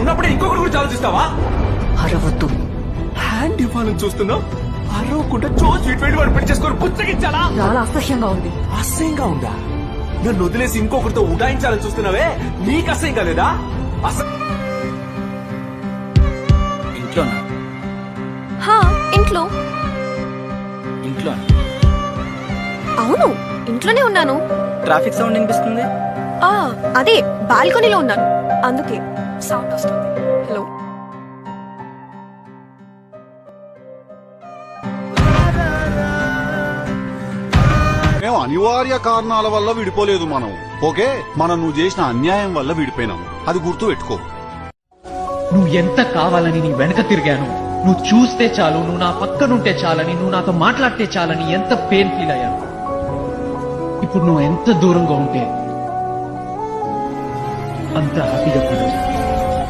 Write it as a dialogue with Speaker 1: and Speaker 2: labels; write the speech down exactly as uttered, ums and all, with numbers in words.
Speaker 1: ఉన్నప్పుడే ఇంకొకటి గురించి ఆలోచిస్తావా?
Speaker 2: అరవద్దు.
Speaker 1: హ్యాండ్ ఇవ్వాలని చూస్తున్నావు, అరవకుండా చో స్వీట్ వెళ్ళి వాడు పెళ్లి చేసుకొని పుచ్చగిచ్చాలా?
Speaker 2: చాలా అసహ్యంగా ఉంది.
Speaker 1: అసహ్యంగా ఉందా? నన్ను వదిలేసి ఇంకొకరితో ఉడాయించాలని చూస్తున్నావే, నీకు అసహ్యంగా లేదా? అస-
Speaker 3: ఇంట్లోనా?
Speaker 2: హా, ఇంట్లో.
Speaker 3: ఇంట్లో
Speaker 2: అవును, ఇంట్లోనే ఉన్నాను.
Speaker 3: ట్రాఫిక్ సౌండ్ వినిపిస్తుంది.
Speaker 2: ఆ అదే బాల్కనీలో ఉన్నాను, అందుకే సౌండ్ వస్తుంది. హలో.
Speaker 4: మేము అనివార్య కారణాల వల్ల విడిపోలేదు మనం. ఓకే, మనం నువ్వు చేసిన అన్యాయం వల్ల విడిపోయినాం, అది గుర్తు పెట్టుకో.
Speaker 5: నువ్వు ఎంత కావాలని నీ వెనక తిరిగాను, నువ్వు చూస్తే చాలు, నువ్వు నా పక్కనుంటే చాలని, నువ్వు నాతో మాట్లాడితే చాలని ఎంత పెయిన్ ఫీల్ అయ్యాను. ఇప్పుడు నువ్వు ఎంత దూరంగా ఉంటే అంత హ్యాపీగా ఫీల్ అవుతాను.